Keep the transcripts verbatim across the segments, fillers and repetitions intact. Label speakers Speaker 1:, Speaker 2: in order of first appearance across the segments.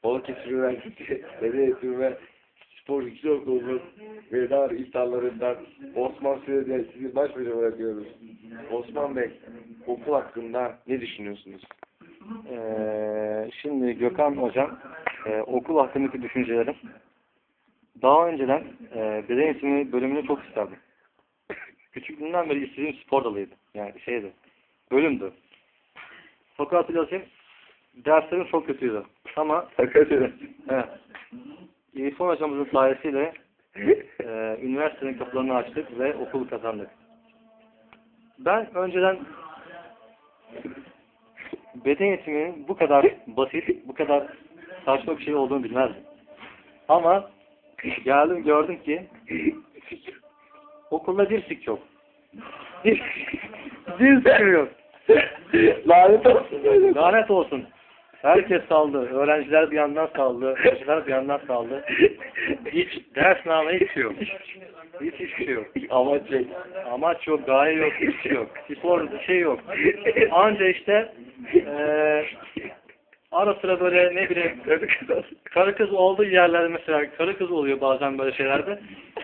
Speaker 1: Balıkesir Üniversitesi Beden Eğitimi ve Spor Yüksek Okulu'nun veda iftarlarından Osman Süreyya sizi baş başa bırakıyoruz. Osman Bey, okul hakkında ne düşünüyorsunuz?
Speaker 2: Ee, şimdi Gökhan Hocam, e, okul hakkındaki düşüncelerim. Daha önceden e, beden eğitimi bölümünü çok isterdim. Küçüklüğümden beri istediğim spor dalıydı. Yani şeydi, bölümdü. Fakat hatırlatayım, derslerim çok kötüydü. Ama
Speaker 1: Hakikaten.
Speaker 2: evet, İrfan hocamızın sayesiyle e, üniversitenin kapılarını açtık ve okulu kazandık. Ben önceden beden eğitiminin bu kadar basit, bu kadar saçma bir şey olduğunu bilmezdim. Ama geldim gördüm ki okulda dirsik yok. Dirsik yok.
Speaker 1: Lanet olsun.
Speaker 2: Lanet olsun. Herkes saldı. Öğrenciler bir yandan saldı. Hocalar bir yandan saldı. Hiç ders namı hiç şey yok. Hiç hiçbir şey yok.
Speaker 1: Amaç yok.
Speaker 2: Amaç yok, gaye yok, hiçbir şey yok. Spor bir şey yok. Anca işte eee ara sıra böyle ne bileyim karı kız olduğu yerlerde mesela karı kız oluyor bazen böyle şeylerde.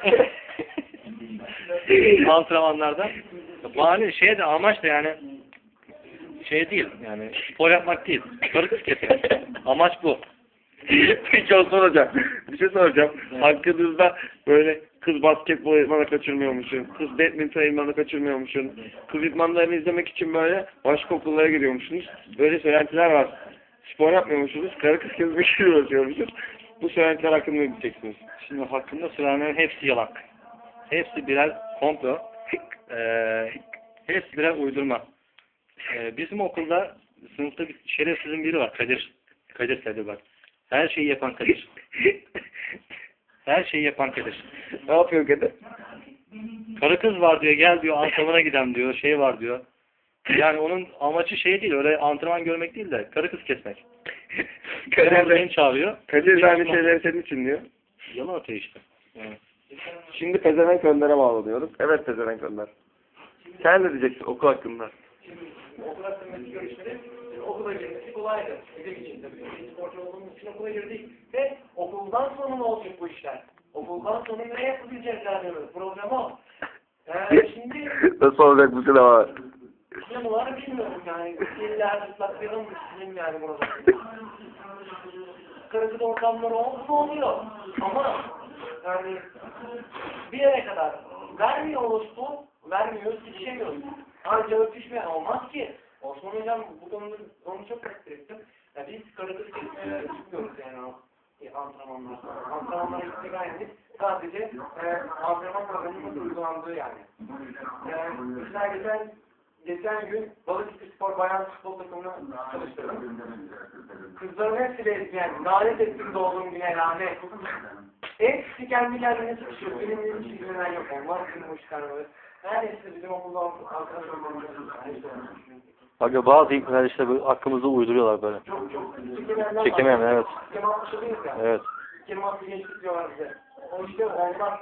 Speaker 2: Antrenmanlarda. Bahane şey de amaç da yani şey değil yani spor yapmak değil. Karı kız kesmek. Amaç bu.
Speaker 1: Peki Osman Hocam, bir şey soracağım.
Speaker 2: Evet.
Speaker 1: Hakkınızda böyle kız basketbol idmanı kaçırmıyormuşsun, kız badminton idmanı kaçırmıyormuşsun, kız idmanlarını izlemek için böyle başka okullara gidiyormuşsunuz. Böyle söylentiler var. Spor yapmıyormuşsunuz, karı kız kesmek için uğraşıyormuşsunuz. Bu söylentiler hakkında ne diyeceksiniz?
Speaker 2: Şimdi hakkında söylenenlerin hepsi yalan. Hepsi birer komplo. Ee, hepsi birer uydurma. Ee, bizim okulda sınıfta bir şerefsizin biri var. Kadir. Kadir Kadir bak. Her şeyi yapan Kadir. Her şeyi yapan Kadir.
Speaker 1: Ne yapıyor Kadir?
Speaker 2: Karı kız var diyor, gel diyor, antrenmana gidem diyor, şey var diyor. Yani onun amacı şey değil, öyle antrenman görmek değil de karı kız kesmek.
Speaker 1: Kadir
Speaker 2: Beni
Speaker 1: de,
Speaker 2: çağırıyor.
Speaker 1: Kadir de aynı şeyleri senin için diyor.
Speaker 2: Yalan atıyor işte. Yani.
Speaker 1: Şimdi pezevenk önlere bağlanıyoruz. Evet pezevenk önler. Sen ne diyeceksin okul hakkında?
Speaker 3: Okul hakkındaki görüşleri, okula girmesi kolaydı. Bizim için tabii. Biz sporcu olduğumuz için okula girdik ve okuldan sonra ne olacak bu işler? Okuldan sonra ne yapabilecek yani? Program o. Ee, şimdi
Speaker 1: Nasıl olacak bu sınav?
Speaker 3: sınavlar bilmiyorum yani. İlla ıslaklayalım düşünün yani burada. Kırıcı ortamlar oldu mu oluyor. Ama yani bir yere kadar vermiyoruz bu, vermiyoruz, yetişemiyoruz. Ancak öpüşme olmaz ki. Osman Hocam bu konuda onu çok takdir ettim. Ya biz karıkız kesmeye çıkmıyoruz yani o e, antrenmanlar. Antrenmanlara gittik aynı. Sadece e, antrenman programının uygulandığı yani. E, mesela geçen, geçen gün Balıkesir Spor Bayan Futbol takımına çalıştırdım. Kızların hepsi yani lanet ettim doğduğum güne lanet. Hepsi kendi kendine sıkışıyor. Benim benim hiç ilgilenen yok. Onlar bizim hoş karnımız. Neredeyse bizim okulda arkadaş olmamız.
Speaker 2: Aga bazı ipler işte böyle hakkımızda uyduruyorlar böyle.
Speaker 3: Çok çok çekemeyenler
Speaker 2: Çekemeyen, evet.
Speaker 3: Kemal'laşılıyız yani.
Speaker 2: Evet.
Speaker 3: Kemal'lı gençlik diyorlar bize. O işte onlar.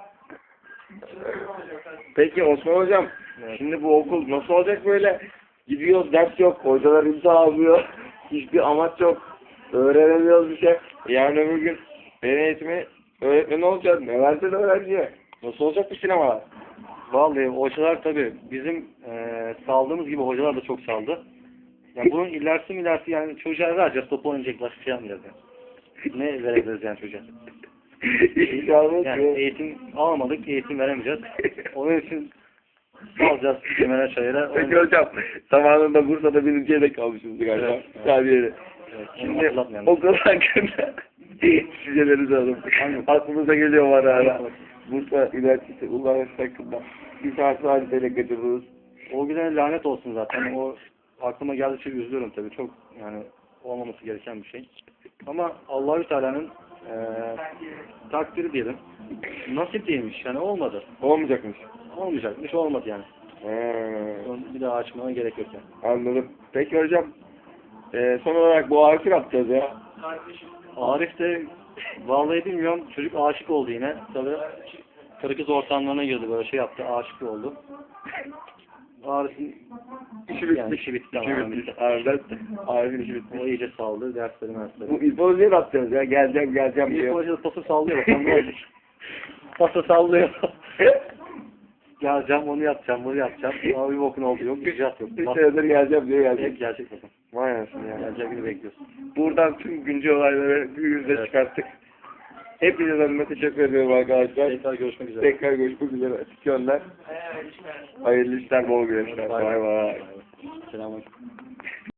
Speaker 1: Peki Osman Hocam,
Speaker 2: Evet.
Speaker 1: şimdi bu okul nasıl olacak böyle? Gidiyoruz, ders yok, hocalar imza almıyor, hiçbir amaç yok, öğrenemiyoruz bir şey. Yani öbür gün beden eğitimi öğretmeni olacak, ne versin öğrenciye? Nasıl olacak bu sinemalar?
Speaker 2: Vallahi hocalar tabii bizim e, saldığımız gibi hocalar da çok saldı. Yani bunun ilerisi mi ilerisi yani çocuğa vereceğiz, topu oynayacak, başka şey yapmayacağız yani. Ne verebiliriz yani çocuğa?
Speaker 1: İnşallah
Speaker 2: Yani eğitim almadık, eğitim veremeyeceğiz. Onun için alacağız kemere çayıra.
Speaker 1: Peki hocam, zamanında Bursa'da birinciye de kalmışız galiba.
Speaker 2: Evet, evet.
Speaker 1: Sabiyeli.
Speaker 2: Evet,
Speaker 1: Şimdi
Speaker 2: hatırlatmayalım.
Speaker 1: okul hakkında düşüncelerinizi alalım. Aklınıza geliyor var ara. Bursa Üniversitesi Üniversitesi hakkında bir saat hadiseyle kaçırdınız.
Speaker 2: O güne lanet olsun zaten. O aklıma geldikçe üzülüyorum tabii. Çok yani olmaması gereken bir şey. Ama Allahü Teala'nın e, takdiri diyelim. Nasip değilmiş. Yani olmadı.
Speaker 1: Olmayacakmış.
Speaker 2: Olmayacakmış. Olmadı yani.
Speaker 1: He,
Speaker 2: Onu bir daha açmana gerek yok yani.
Speaker 1: anladım. Peki hocam, e, son olarak bu Arif'i ne yapacağız ya?
Speaker 2: Arif de vallahi bilmiyorum. Çocuk aşık oldu yine. Tabii karı kız ortamlarına girdi. Böyle şey yaptı. Aşık oldu. Arif'in
Speaker 1: İşi bitti.
Speaker 2: yani işi bitti.
Speaker 1: İşi
Speaker 2: tamamen
Speaker 1: bitti.
Speaker 2: bitti.
Speaker 1: Harbiden. Arif'in işi bitti.
Speaker 2: O iyice saldı. Dersleri mersleri.
Speaker 1: Bu İlfo niye atıyoruz ya? Geleceğim geleceğim
Speaker 2: İlk
Speaker 1: diyor.
Speaker 2: hoca pası sallıyor. Bakalım ne olacak. Pası sallıyor. Geleceğim onu yapacağım bunu yapacağım. Ama bir bokun oldu yok. İcraat yok.
Speaker 1: Bir
Speaker 2: Bak,
Speaker 1: senedir geleceğim diyor
Speaker 2: hep
Speaker 1: gelecek.
Speaker 2: gelecek bakalım.
Speaker 1: Vay anasını ya.
Speaker 2: Gelecek günü bekliyorsun.
Speaker 1: Buradan tüm güncel olayları bir yüzde
Speaker 2: Evet.
Speaker 1: çıkarttık. Hepinize adına teşekkür ediyorum arkadaşlar.
Speaker 2: Tekrar görüşmek üzere.
Speaker 1: Tekrar görüşmek üzere. Açık yönler.
Speaker 3: Evet, işte.
Speaker 1: Hayırlı işler, bol güneşler.
Speaker 2: Bay
Speaker 1: Bay bay.
Speaker 2: Selamünaleyküm.